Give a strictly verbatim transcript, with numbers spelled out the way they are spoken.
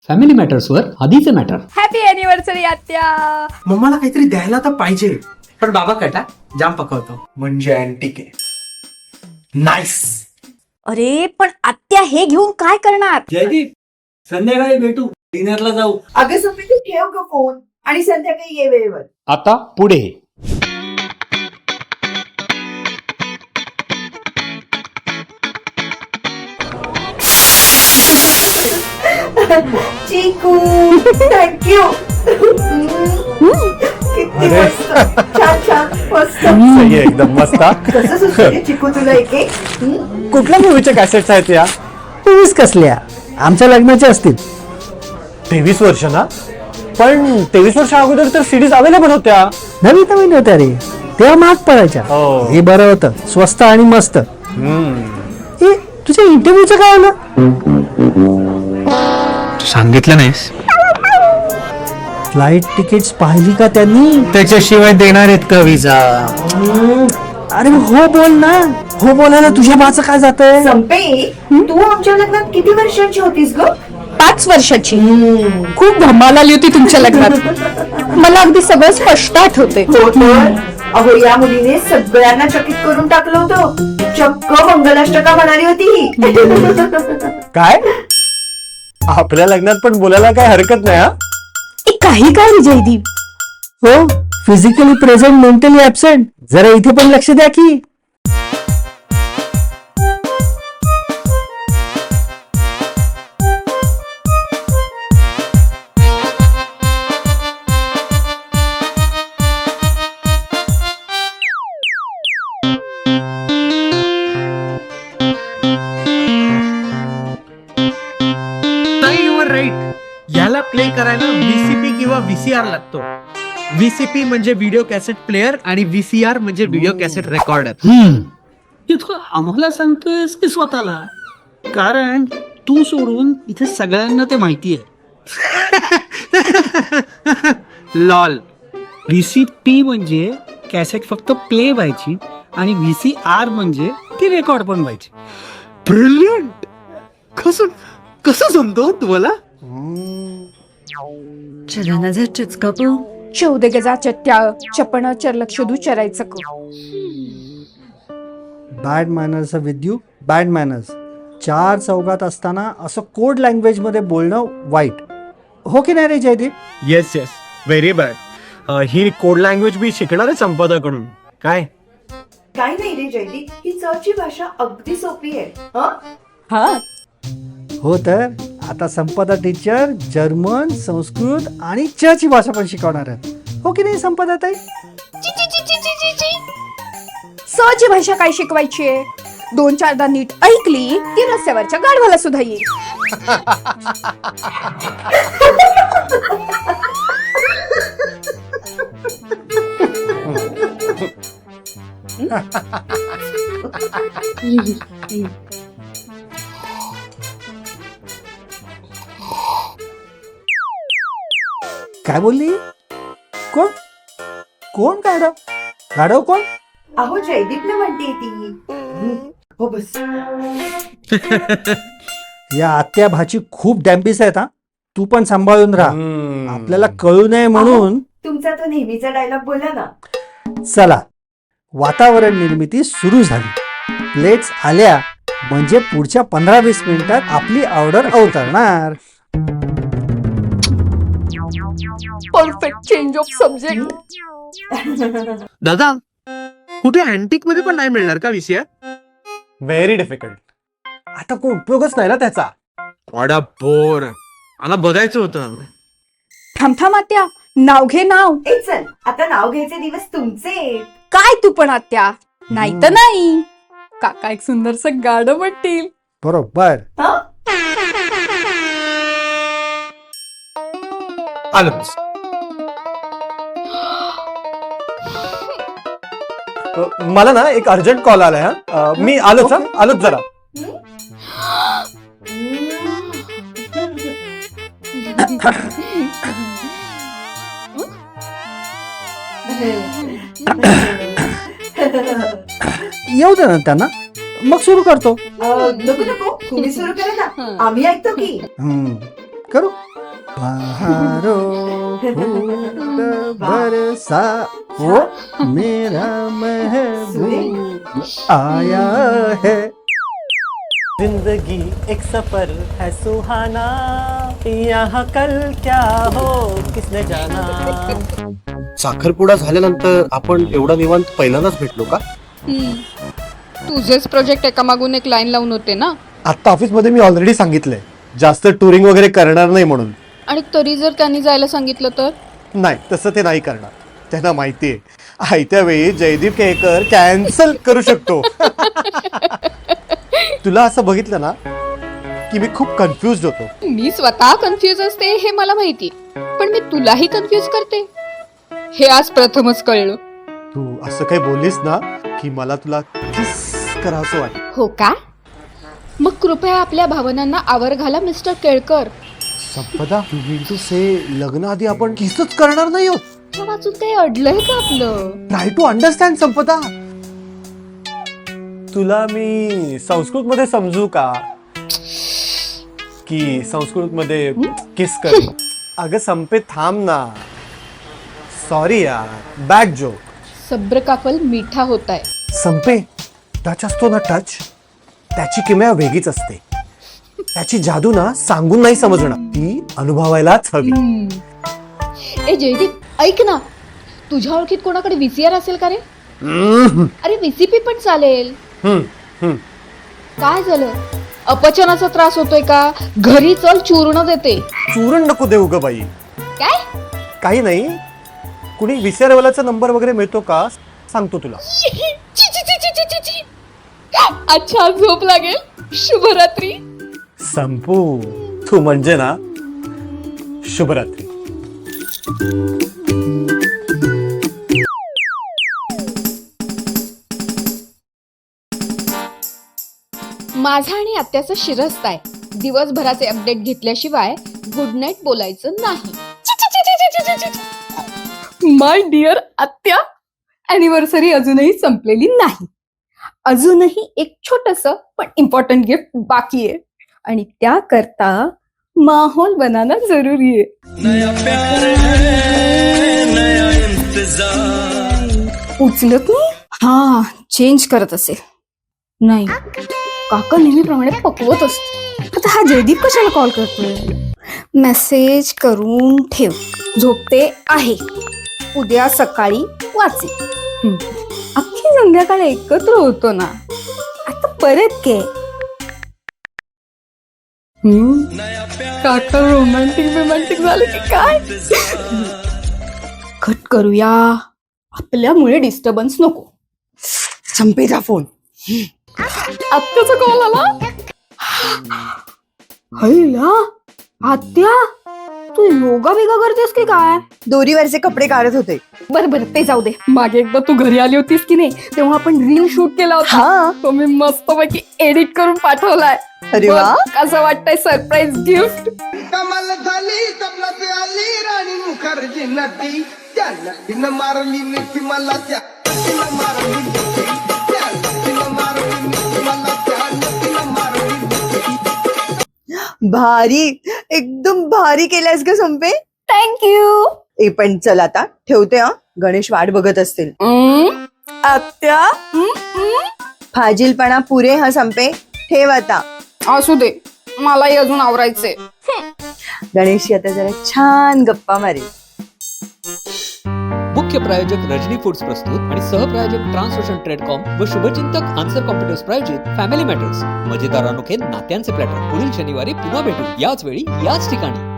Family मॅटर्सवर आधीचे matter. Happy anniversary आत्या. मम्माला काहीतरी द्यायला तर पाहिजे, पण बाबा कटा जाम पकवतो म्हणजे अँटिक आहे. नाईस. अरे पण आत्या हे घेऊन काय करणार? जयदीप, संध्याकाळी भेटू, डिनरला जाऊ. अगं सुप्रीती, ठेव ग फोन आणि संध्याकाळी ये वेळेवर. आता पुढे चिकू, थँक्यू. किती मस्त, छान छान मस्त. एकदम मस्त. कसं सुचलं चिकू तुला एक एक? हम्म? कुठल्या मूवीच्या कॅसेट्स आहेत या? तेवीस कसल्या आमच्या लग्नाचे असतील. तेवीस वर्ष ना? पण तेवीस वर्षा अगोदर तर सीडीज अवेलेबल होत्या. नवीन नवीन होत्या रे, तेव्हा महाग पडायच्या. हो. हे बरं होतं, स्वस्त आणि मस्त. ए, तुझ्या इंटरव्ह्यूचं काय आलं? सांगितलं नाहीस? फ्लाईट तिकीट्स पाहिली का त्यांनी? त्याच्याशिवाय देणार आहेत का विजा? अरे हो बोल ना, हो बोलायला तुझ्या बाचं काय जातंय? संपे, तू आमच्या लग्नात किती वर्षांची होतीस ग? पाच वर्षाची. खूप धमाल आली होती तुमच्या लग्नात. मला अगदी सगळं स्पष्ट आठवते. हो तर. अहो या मुलीने सगळ्यांना चकित करून टाकलं होतं. चक्क मंगलाष्टका म्हणाली होती ही. काय? आपल्या लग्नात पण बोलायला काय हरकत नाही. हा, ए, काही काय रे जयदीप? हो, फिजिकली प्रेझेंट, मेंटली ऍबसेंट. जरा इथे पण लक्ष द्या की. राईट. याला प्ले करायला व्हीसीपी किंवा व्हीसीआर लागतो. व्हीसीपी म्हणजे व्हिडिओ कॅसेट प्लेअर आणि व्हीसीआर म्हणजे व्हिडिओ कॅसेट रेकॉर्डर. इथं आम्हाला सांगतोयस की स्वतःला? कारण तू सोडून इथे सगळ्यांना ते माहिती आहे. लॉल. व्हीसीपी म्हणजे कॅसेट फक्त प्ले व्हायची आणि व्हीसीआर म्हणजे ती रेकॉर्ड पण व्हायची. ब्रिलियंट. कसं कसं जमतो तुम्हाला? चौदे गजा चट्ट्या चपण चरलक्षदू चरायचं क. Bad manners with you, bad manners. चार चौघात असताना असं कोड लँग्वेज मध्ये बोलणं वाईट. हो की नाही रे Jaydeep? Yes yes, very bad. ही कोड लँग्वेज मी शिकणार आहे संपादाकडून. काय काय नाही रे जयदीप, ही चची भाषा अगदी सोपी आहे. हं? हा, हो तर आता संपदा टीचर जर्मन, संस्कृत आणि च ची भाषा पण शिकवणार आहेत. हो की नाही संपदा ताई? स ची भाषा काय शिकवायची आहे? दोन चारदा नीट ऐकली की रस्त्यावरच्या गाढवाला सुद्धा येईल. काय बोलली? कोण कोण गाढव? गाढव कोण? अहो जयदीपला म्हणते ती. हं, हो बस. या आत्या भाची खूप डॅम्बिस आहेत. हा, तू पण सांभाळून राहा. आपल्याला कळू नये म्हणून. तुमचा तो नेहमीचा डायलॉग बोला ना. चला, वातावरण निर्मिती सुरू झाली. प्लेट्स आल्या म्हणजे पुढच्या पंधरा वीस मिनिटात आपली ऑर्डर अवतरणार. Perfect change of subject. दादा, कुठे अँटिक मध्ये पण नाही मिळणार का व्हीसीआर? Very difficult. आता कोण उपयोगच नाही ना त्याचा. वाडा बोर. मला बघायचं होतं. थांब थांब आत्या, नाव घे नाव. ए चल, आता नाव घ्यायचे दिवस तुमचे. काय तू पण आत्या? नाही तर नाही. काका एक सुंदरस गाणं म्हणतील. बरोबर. हं? आलं. मला ना एक अर्जंट कॉल आलाय. हा, मी आलोच. हा, आलोच जरा. येऊ दे ना त्यांना, मग सुरू करतो. अं, नको नको, तुम्ही सुरू करा ना, आम्ही ऐकतो की. हम्म, करू. बहारों फूल बरसा वो मेरा महबूब आया है. जिंदगी एक सफर है सुहाना, यहाँ कल क्या हो किसने जाना. साखरपुडा झाल्यानंतर आपण एवढा निवांत पहिल्यांदाच भेटलो का? तुझेच प्रोजेक्ट एका मागून एक लाईन लावून होते ना. आता ऑफिस मध्ये मी ऑलरेडी सांगितलंय जास्त टुरिंग वगैरे करणार नाही म्हणून. आणि तरी जर त्यांनी जायला सांगितलं तर? नाही, तसं ते नाही करणार. त्यांना माहितीये आयत्या वेळी जयदीप केळकर कॅन्सल करू शकतो. तुला असं बघितलं ना की मी खूप कन्फ्युज होतो. मी स्वतः कन्फ्युज असते हे मला माहिती, पण मी तुलाही कन्फ्युज करते हे आज प्रथमच कळलं. तू असं काही बोललीस ना की मला तुला किस करावंसं वाटतं. हो का? मग कृपया आपल्या भावनांना आवर घाला मिस्टर केळकर. संपदा, तू विंटू से लग्न आधी आपण किसच करणार नाही आहोत. त्या वाचून काही अडलंय का आपलं? Try to understand Sampada. तुला मी संस्कृत मध्ये समजू का की संस्कृत मध्ये किस कर. अगं संपे थांब ना. सॉरी यार, बॅड जोक. सब्र का फल मीठा होता है. संपे, टच असतो ना टच, त्याची किमया वेगळीच असते. त्याची जादू ना सांगून नाही समजणार, ती अनुभवायलाच हवी. ए जयदीप, ऐक ना, तुझ्या ओळखीत कोणाकडे व्हीसीआर असेल का रे? अरे व्हीसीपी पण चालेल. हम्म, हम्म. काय झालं? अपचनाचा त्रास होतोय का? घरी चल, चूर्ण देते. चूरण नको देऊ ग बाई. काय? काही नाही. कुणी विसरवाल्याचा नंबर वगैरे मिळतो का सांगतो तुला. ची, ची, ची, ची, ची, ची, ची. अच्छा, झोप लागेल. शुभरात्री. संपू, तू म्हणजे ना शुभरात्री. माझा आणि आत्याचा शिरस्ता आहे. दिवसभराचे अपडेट घेतल्याशिवाय गुड नाईट बोलायचं नाही. माय डिअर आत्या, अॅनिव्हर्सरी अजूनही संपलेली नाही. अजूनही एक छोटस पण इम्पॉर्टंट गिफ्ट बाकी आहे आणि त्याकरता माहोल बनाना जरुरी आहे. उचलत नाही. हा, चेंज करत असेल. नाही, काका नेहमीप्रमाणे पकवत असतो. आता हा जयदीप कशाला कॉल करतोय? मेसेज करून ठेव. झोपते आहे, उद्या सकाळी वाचे. अख्खी संध्याकाळ एकत्र होतो ना, आता परत के. काका रोमॅन्टिक रोमॅन्टिक झालं की काय? कट करूया, आपल्यामुळे डिस्टर्बन्स नको. संपेचा फोन. आत्याचा कॉल आला. हैला, आत्या तू योगा बिगा करतेस की काय? दोरीवरचे कपडे काढत होते. बरं बरं, ते जाऊ दे. मागे एकदा तू घरी आली होतीस की नाही, तेव्हा आपण रील शूट केला होता. हा. तो मी मस्तपैकी एडिट करून पाठवलाय. अरे वा. बघ, कसं वाटतंय सरप्राईज गिफ्ट. कमल झाली तबलात आली राणी मुखर्जी नटी, त्या नटीनं मारली मिठी मला, त्या नटीनं मारली मिठी, त्या नटीनं मारली मिठी मला, त्या नटीनं मारली मिठी. भारी, एकदम भारी केलंयस ग संपे. थँक्यू. ए पण चल आता ठेवते. हा, गणेश वाट बघत असतील. आत्या, फाजीलपणा पुरे. हा संपे, ठेव आता. असू दे, मलाही अजून आवरायचे. गणेशची आता जरा छान गप्पा मारे. मुख्य प्रायोजक रजनी फूड्स प्रस्तुत आणि सहप्रायोजक ट्रान्सोशन ट्रेडकॉम व शुभचिंतक आन्सर कॉम्प्युटर्स प्रायोजित फॅमिली मॅटर्स. मजेदार अनोखे नात्यांचे प्लॅटर. पुढील शनिवारी पुन्हा भेटू, याच वेळी याच ठिकाणी.